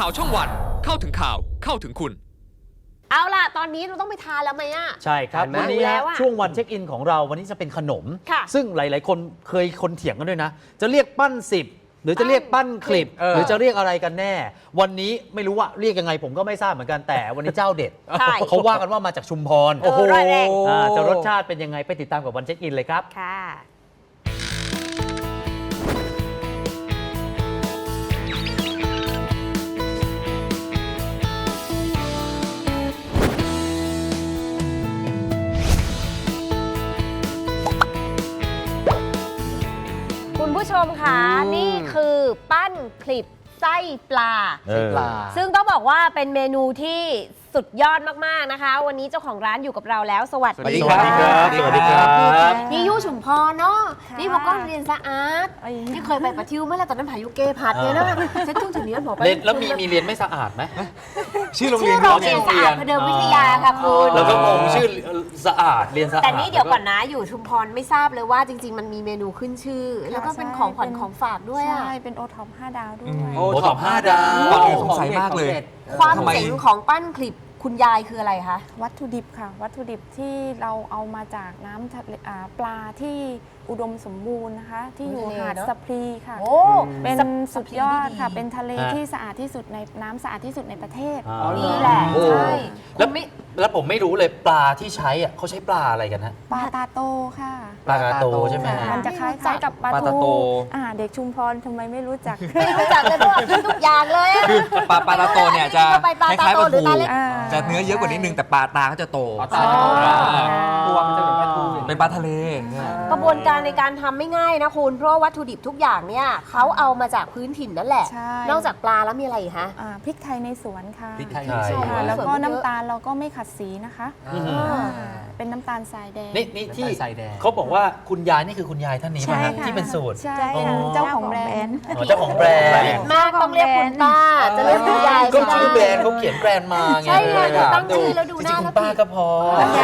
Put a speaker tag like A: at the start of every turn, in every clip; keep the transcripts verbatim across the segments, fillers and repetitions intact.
A: าวช่องวันเข้าถึงข่าวเข้าถึงคุณ
B: เอาล่ะตอนนี้เราต้องไปทานแล้วไหมอ่ะ
C: ใช่ครับวันนี้ช่วงวันเช็คอินของเราวันนี้จะเป็นขนม ซึ่งหลายๆคนเคยคนเถียงกันด้วยนะจะเรียกปั้นสิบหรือจะเรียกปั้นคลิปหรือจะเรียกอะไรกันแน่วันนี้ไม่รู้ว่าเรียกยังไงผมก็ไม่ทราบเหมือนกันแต่วันนี้เจ้าเด็ดเขาว่ากันว่ามาจากชุมพร
B: โอ้โห
C: จะรสชาติเป็นยังไงไปติดตามกับวันเช็คอินเลยครับ
B: ค่ะคุณผู้ชมคะนี่คือปั้นคลิปไส้ปลาซึ่งต้องบอกว่าเป็นเมนูที่สุดยอดมากๆนะคะวันนี้เจ้าของร้านอยู่กับเราแล้วสวัสดี
C: ครับสวัสดีครับ
B: นี่ยู่ชุมพรเนาะนี่พอก็เรียนสะอาดนี่เคยไปปะทิวเมื่อไรตอนนั้นพายุเกพัดเนี่ยนะเซ็ตทุ่งถึงนี้บอกไป
C: แล้วมีมีเรียนไม่สะอาดไหม
A: ชื่อโรงเรียน
B: โรงเรียนสะอาดพเดิมวิทยาค่ะคุณ
C: เราก็งงชื่อสะอาดเรียนสะอาด
B: แต่นี่เดี๋ยวก่อนนะอยู่ชุมพรไม่ทราบเลยว่าจริงๆมันมีเมนูขึ้นชื่อแล้วก็เป็นของขวัญของฝากด้วยอ่ะ
D: ใช่เป็นโอท็อปห้าดาวด้วย
C: โอท็อปห้าดาว
A: สงสัยมากเลย
B: ความเจ๋งของปั้นคลิปคุณยายคืออะไรคะ
D: วัตถุดิบค่ะวัตถุดิบที่เราเอามาจากน้ำทะเลปลาที่อุดมสมบูรณ์นะคะที่อยู่หาดสะพรีค่ะเป็นสุดยอดค่ะเป็นทะเลที่สะอาดที่สุดในน้ำสะอาดที่สุดในประเทศ
B: นี่แหละใช่
C: แล้วไม่แล้วผมไม่รู้เลยปลาที่ใช้อ่ะเขาใช้ปลาอะไรกันฮะ
D: ปลาตาโตค่ะ
C: ปลาตาโตใช่ไหม
D: มันจะคล้ายๆกับปลาทูอ่าเด็กชุมพรทำไมไม่รู้จัก
B: ไม่รู้จักเลยด้วยทุกอย่างเลย
A: คือปลาปลาตาโตเนี่ยจะคล้ายๆปลาทูจะเนื้อเยอะกว่านิดนึงแต่ปลาตาก็จะโต
C: ตัวมันจะเหมือนปลาทู
A: เป็นปลาทะเล
B: กระบวนการในการทำไม่ง่ายนะคุณเพราะวัตถุดิบทุกอย่างเนี่ยเขาเอามาจากพื้นถิ่นนั่นแหละนอกจากปลาแล้วมีอะไรอีกคะ
D: พริกไทยในสวนค่ะ
C: พริกไทยในสวน
D: แล้วก็น้ำตาลเราก็ไม่ขัดสีนะคะเป็นน้ำตาลทรายแดง
C: นี่นี่ที่เขาบอกว่าคุณยายนี่คือคุณยายท่านนี้ไหมฮะที่เป็นสูตร
D: ใช่เจ้าของแบรนด์
C: เจ้าของแบรนด์
B: มากต้องเรียกคุณป้าจะเรียกคุณยาย
C: ก็ชื่อแบรนด์เขาเขียนแบรนด์มาไง
B: ใช่ไงตั้งชื่อแล้วดูหน้า
C: คุณป้าก็พอ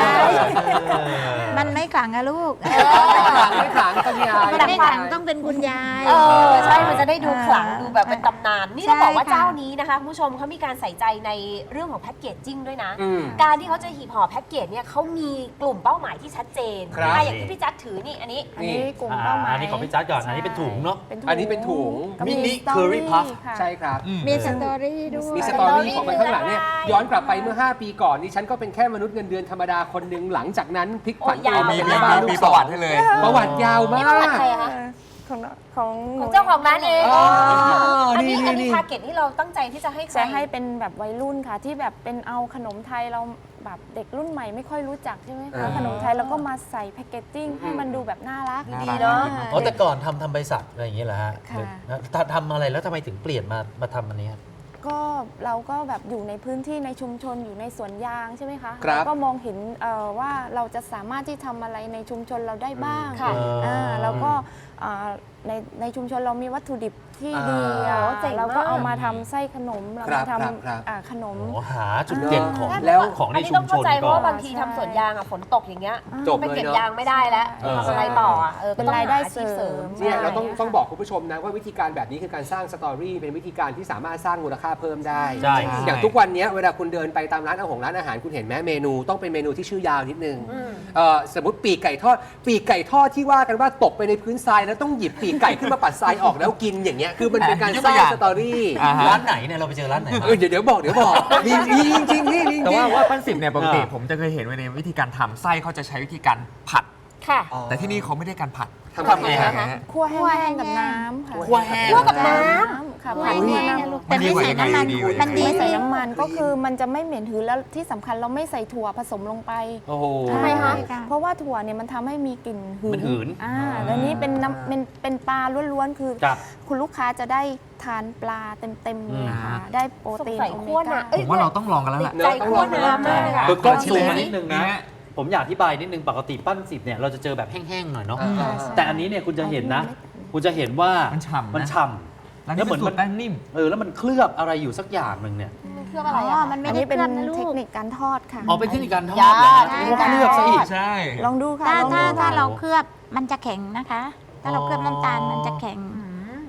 D: มันไม่ขลังอะลูก
C: ไม่ขลังคุณยาย
D: มันไม่ขลังต้องเป็นคุณยาย
B: เออใช่มันจะได้ดูขลังดูแบบเป็นตำนานนี่ต้องบอกว่าเจ้านี้นะคะคุณผู้ชมเขามีการใส่ใจในเรื่องของแพ็กเกจจิ้งด้วยนะการที่เขาจะหีบห่อแพ็กเกจเนี่ยเขามีกลุ่มเป้าหมายที่ชัดเจนอย่างที่พี่จัดถือนี่อันนี้
D: อันนี้กลุ่มเป้าหมาย
C: อันนี้ของพี่จัดก่อนอันนี้เป็นถุงเนาะ
A: อันนี้เป็นถุง
C: มินิเคอรี่พัฟ
E: ใช่ครับ
D: มีสตอรี่ด้วย
E: มีสตอรี่ของมันข้างหลังเนี่ยย้อนกลับไปเมื่อห้าปีก่อนนี่ฉันก็เป็นแค่มนุษย์เงินเดือนธรรมดาคนหนึ่งหลังจากนั้นพลิกผันตัว
A: มีมีประวัติให้เลย
E: ประวัติยาวมาก
D: ของของ
B: เจ้าของร้านเองอันนี้อันนี้ทาร์เก็ตที่เราตั้งใจที่จะให้
D: จะให้เป็นแบบวัยรุ่นค่ะที่แบบเป็นเอาขนมไทยเราแบบเด็กรุ่นใหม่ไม่ค่อยรู้จักใช่ไหมคะขนมไทยแล้วก็มาใส่แพคเกจจิ้งให้มันดูแบบน่ารัก
B: ดีเนาะ
C: อ๋อแต่ก่อนทำทำบริษัทอะไรอย่างเงี้ยเหรอฮะทำอะไรแล้วทำไมถึงเปลี่ยนมามาทำอันนี้
D: ก็เราก็แบบอยู่ในพื้นที่ในชุมชนอยู่ในสวนยางใช่ไหมคะ
E: เรา
D: ก็มองเห็นว่าเราจะสามารถที่ทำอะไรในชุมชนเราได้บ้างค่ะแล้วก็ในในชุมชนเรามีวัตถุดิบที่ดีเราก็เอามาทำไส้ขนมเรามาทำขนม
C: หาจุดเด่นของ
B: แล้ว
C: ของในชุมชน
B: ต้องเข้าใจเพราะว่าบางทีทำสวนยางอ่ะฝนตกอย่างเงี้ยไปเก็บยางไม่ได้แล้วทำอะไรต่อ
D: เป็นรายได้เสริม
E: เนี่ยเราต้องต้องบอกคุณผู้ชมนะว่าวิธีการแบบนี้คือการสร้างสตอรี่เป็นวิธีการที่สามารถสร้างมูลค่าเพิ่มได้อย่างทุกวันนี้เวลาคุณเดินไปตามร้านอาหารร้านอาหารคุณเห็นไหมเมนูต้องเป็นเมนูที่ชื่อยาวนิดนึงสมมติปีกไก่ทอดปีกไก่ทอดที่ว่ากันว่าตกไปในพื้นทรายแล้วต้องหยิบปีกไก่ขึ้นมาปัดทรายออกแล้วกินอย่างเงี้ยคือมันเป็นการสร้างสตอรี่
C: ร้านไหนเนี่ยเราไปเจอร้านไหน
E: เดี๋ยวเดี๋ยวบอกเดี๋ยวบอกมีจริงจริงนี่
A: แต่ว่าว่าปั้นสิบเนี่ยปกติผมจะเคยเห็นในวิธีการทำไส้เขาจะใช้วิธีการผัด
B: ค่ะ
A: แต่ที่นี่เขาไม่ได้การผัด
E: ทำไง
B: คะ
D: คั่วแห้งกับน้ำค่ะ
C: คั่วแห้ง
B: กับน้ำ
D: ค่ะผัดคั่วน้ำ
A: แต่ไม่ใส่น้ำมัน
D: มันไม่ใส่น้ำมันก็คือมันจะไม่เหม็นหืนแล้วที่สำคัญเราไม่ใส่ถั่วผสมลงไป
C: โอ้โห
D: ทำไมคะเพราะว่าถั่วเนี่ยมันทำให้มีกลิ่นหืนอ่าแล้วนี้เป็นน้ำเป็นเป็นปลาล้วนๆคือคุณลูกค้าจะได้ทานปลาเต็มๆเลยค่ะได้โปรตีนโอเมก้า
A: ผมว่าเราต้องลองกันแล้วแหละ
B: ใจคั่วน้ำมาก
C: คือกล้องซูมมานิดนึงนะผมอยากอธิบายนิดนึงปกติปั้นสิบเนี่ยเราจะเจอแบบแห้งๆหน่อยเนาะแต่อันนี้เนี่ยคุณจะเห็นนะคุณจะเห็นว่า
A: มันฉ่ำ
C: มันฉ่ำ
A: แล้วเหมือนมันแป้งนิ่ม
C: เออแล้วมันเคลือบอะไรอยู่สักอย่างหนึ่งเนี่ย
B: เคลือบอะไรอ่ะ
D: มันไม่ได้เป็นเทคนิคการทอดค่ะ
C: อ๋อเป็นเทคนิคการทอดนะเคลือบซะอีก
A: ใช่
D: ลองดูค่ะ
F: ถ้าถ้าถ้าเราเคลือบมันจะแข็งนะคะถ้าเราเคลือบน้ำตาลมันจะแข็งแ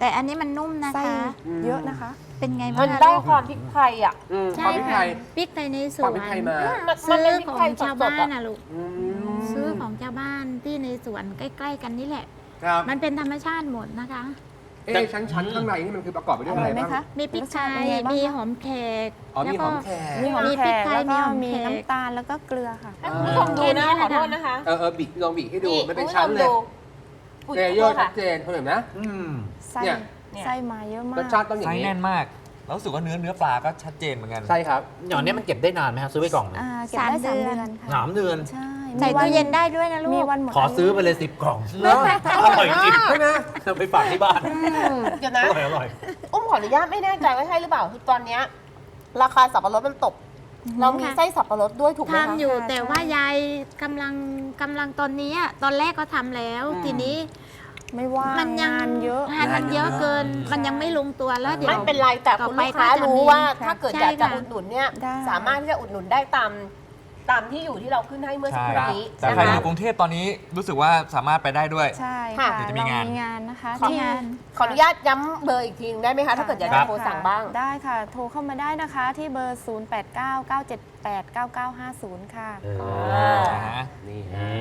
F: แต่อันนี้มันนุ่มนะ
D: ไส้
F: คะ
D: เยอะนะคะ
F: เป็นไง
B: มั
F: บ้าง
B: น
F: คะ
B: ได้
F: ลูก
B: ความพริกไทยอ่ะ
E: อืมค
F: ใช่
E: วามพริกไท
F: ค่ะ
E: ย
F: พริกไทยในส
E: ควา
F: ว
E: ม
F: น
E: พริกไทยมา
B: มัน
F: ซื้
B: เป็
F: อน
B: พริก
F: ของ
B: ไทย
F: ชาว
B: สด
F: บ้า
B: ๆอะ
F: นนะลูก
E: อืม
F: ซื้อของชาวบ้านที่ในสวนใกล้ ๆ กันนี่แหละ
E: ครับ
F: มันเป็นธรรมชาติหมดนะคะ
E: เอ๊ะชั้นชั้นข้างในนี่มันคือประกอบไปด้วย
D: อ
E: อะ
D: ร่
E: ไร
D: อยไหม
E: บ้าง
D: คะ
F: มีพริกไท
D: รสชาติเป็น
F: ย
D: ไงบ้าง
F: มี
D: คะ
F: หอมแขก
E: อ๋อมีหอมแขก
D: มีหอม
F: มี
D: แข
F: พริก
D: ก
F: ไทย
D: แล้วก็
F: มีหอม
D: มี
F: แขก
D: น้ำตาลแล้วก็เกลือค่ะ
B: ให้คุณผู้ชมดูนะขอโทษนะคะ
E: เออเออบิกลองบิกให้ดู
B: นี่
E: มันเป็น
B: คุณผู้ช
E: ชั้น
B: ม
E: เลย
B: ดูอุ๊ย
E: เล
B: ขอ
E: เย
B: โท
E: อ
B: ษ
E: ร์ชั
B: ค่ะ
E: ดเจนคุณเห็นไหม
C: อืม
D: ไส้
E: เนี่ย
B: เนี่ย
D: ไส้มาเยอะมาร
E: ส
D: ก
E: ชาติต้องอย่า
A: ไส้
E: งนี้
A: แน่นมาก แล้วรู้สึกว่าเนื้อเนื้อปลาก็ชัดเจนเหมือนกัน
E: ใช่ครับ
C: อย่างนี้มันเก็บได้นานไหมครับซื้อไปกล่องหนึง
D: อ่าเก็บได้
F: สา
D: สาม ม
F: เดื
D: เดื
F: อ
D: อน นค่ะ
C: สามเดือน
D: ใช่
F: ใส่
D: มีวั
F: ตู้เย็นได้ด้วยนะลูก
D: มีวันหมด
C: ขอซื้อไป
D: ายุ
C: เลยสิบกล่อง
E: เนอะ
C: อร่อยจริง
E: ใช่ไหม
C: เอาไปฝากที่บ้าน
B: เดี๋ยว
C: อ
B: นะ
C: ร่อยอร่อย
B: อุ้มขออนุญาตไม่แน่ใจว่าใช่หรือเปล่าคือตอนเนี้ยราคาสับปะรดมันตก เรามีไส้สับปะรดด้วยถูกไหมคะ
F: ทำอยู่
D: ค่ะ
F: แต่
D: ใช่
F: ว่ายายกำลังกำลังตอนนี้อะตอนแรกก็ทำแล้ว
E: อืม
F: ทีนี้
D: ไม่ว่าง
F: มันยัง
D: งานเยอะ
F: งานมันเยอะเกิน มันยังไม่ลงตัวแล้วเดี๋ยว
B: ไม่เป็นไรแต่คุณลูกค้า
F: ต่อไปก็จะ
B: รู้
F: มี
B: ว่า
F: ค่ะ
B: ถ้าเกิด
F: ใช่
B: อยากจะ
F: ค่ะ
B: อุดหนุนเนี่ย
D: ได้
B: สามารถที่จะอุดหนุนได้ตามตามที่อยู่ที่เราขึ้นให้เมื่อสักครู่นี้
A: แต่
B: นะ
A: ใครอ
B: คะ
A: ยู่กรุงเทพตอนนี้รู้สึกว่าสามารถไปได้ด้วย
D: ใช่
B: ค่ะ
D: ค่ะ
A: เดี๋ยวจะมีงาน
D: เรมีงานนะคะ
F: ขอ
D: ที่
F: งาน
B: ขออนุญาตย้ำเบอร์อีกทีนึงได้ไหมคะ ถ้าเกิดอยากจะโทรสั่งบ้าง
D: ได้ค่ะ โทรเข้ามาได้นะคะที่เบอร์ ศูนย์ แปด เก้า เก้า เจ็ด แปด เก้า เก้า ห้าศูนย์ ค่ะ
C: เออ
A: นะ
E: นี่ฮะ
C: นี่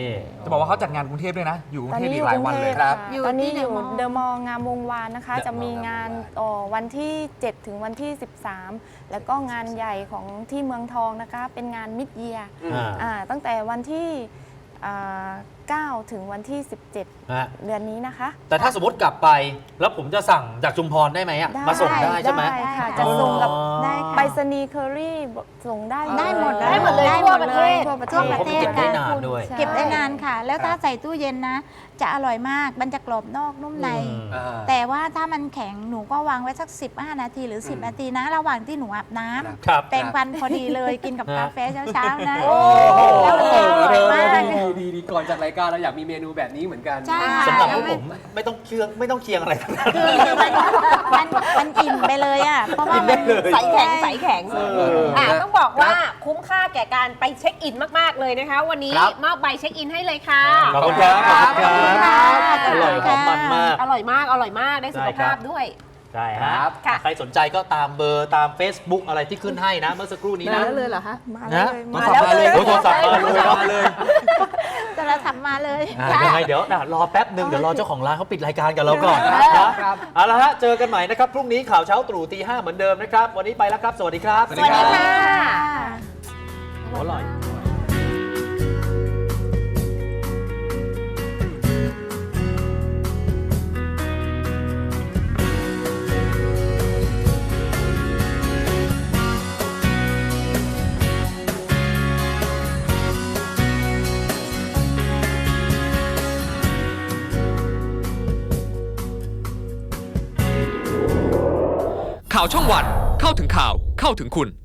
A: จะบอกว่าเขาจัดงานกรุงเทพด้วยนะ อยู่กรุ
D: ตอง น
A: เทพ
D: นี้
A: อี
D: อก
A: หลาย
D: ยู่กรุ
A: วัน
D: งเท
A: เลย
D: พ
E: ครับ
D: ค่ะ
F: อยู่
D: ตอนนี้
F: ที่
D: อยู่
F: เดอะมอลล์
D: เดอะมอลล์งามวงวานนะคะ
E: เดอะมอลล์
D: จะมีงาน
E: งามวงวาน
D: ต่อวันที่ เจ็ด ถึงวันที่ สิบสาม แล้วก็งานใหญ่ของที่เมืองทองนะคะ เป็นงานมิดเยียร์
E: อืม
C: อ่า
D: อ่าตั้งแต่วันที่อ่าเก้า ถึงวันที่ สิบเจ็ด
C: ฮะ
D: เดือนนี้นะคะ
C: แต่ถ้าสมมติกลับไป แล้วผมจะสั่งจากชุมพรได้ไหมอ่ะ มาส่งได้ใช่ไหม
D: ได้ค่ะ
F: ได้
D: จะส่งกับ
C: อ๋อ
F: ได้ค่ะ
D: ไปรษณีย์เคอรี่ส่งได้
F: ได้หมด
B: ได้หมดเลย
F: ได้
B: ทั่วประเทศ
D: ทั่วประเท
F: ทั่ว
D: ศ
F: ประเทศ
C: เก็บได้
F: ค่ะ
C: นานด้วย
D: ใช่
F: เก็บได้นานค่ะ แล้วถ้าใส่ตู้เย็นนะ จะอร่อยมาก มันจะกรอบนอกนุ่มใน
C: อืม
E: อ่า
F: แต่ว่าถ้ามันแข็งหนูก็วางไว้สัก สิบห้า นาทีหรือ
E: อืม
F: 10 นาทีนะ ระหว่างที่หนูอาบน้ำ
E: ครับ
C: ครับ
F: แปรงฟันพอดีเลยกินกับ
C: ฮะ
F: กาแฟเช้าๆนะ
E: โอ้
F: แล้วมันจะอร่อยมาก
E: ดีดีดีก่อนจากรายการเราอยากมีเมนูแบบนี้เหมือนกัน
F: ใช่ค่ะ
C: สำหรับพวกผมไม่ต้องเคียงไม่ต้องเคียงอะไรทั้งนั้น
F: คือมันมันมันอิ่มไปเลยอ่ะ เพราะว่ามัน
B: ใสแข็งใสแข็ง
E: เอออ่
B: อ่ะต้องบอกว่าคุ้มค่าแก่การไปเช็คอินมาก ๆ เลยนะคะ วันนี้
C: ครับ
B: มอบใบเช็คอินให้เลยค่ะ
C: ขอบคุณครับขอบคุณ
B: ค
C: ค
B: รั
C: รับ บอร่อยหอมมันมาก
B: อร่อยมาก อร่อยมาก ได้สุข
C: ได้ครั
B: ภา
C: บ
B: พด้วย
C: ใช่
E: ครั
C: ฮะ
E: บ
B: ค่ะ
C: ใครสนใจก็ตามเบอร์ตาม Facebook อะไรที่ขึ้นให้นะ เมื่อสักครู่นี้นะ
D: เลยเหรอคะมา
C: นะ
D: เลย
C: โทรศัพท์มาเลยโอ้โทรศัพท์มาเลยมาเลย
F: จะเราทำมาเลย
C: อ่ะยังไงเดี๋ยวอ่ะรอแป๊บหนึ่งเดี๋ยวรอเจ้าของร้านเขาปิดรายการกับเราก่อน
E: ครับ
C: นะครับ เอาละฮะเจอกันใหม่นะครับ พรุ่งนี้ข่าวเช้าตรู่ตีห้าเหมือนเดิมนะครับ วันนี้ไปแล้วครับ สวัสดีครับ
A: สวัส
B: ส
A: ดี
B: วัส
A: ครั
B: ดี
A: บ
B: ค่ะ
C: อร่อย
G: ข่าวช่องวันเข้าถึงข่าวเข้าถึงคุณ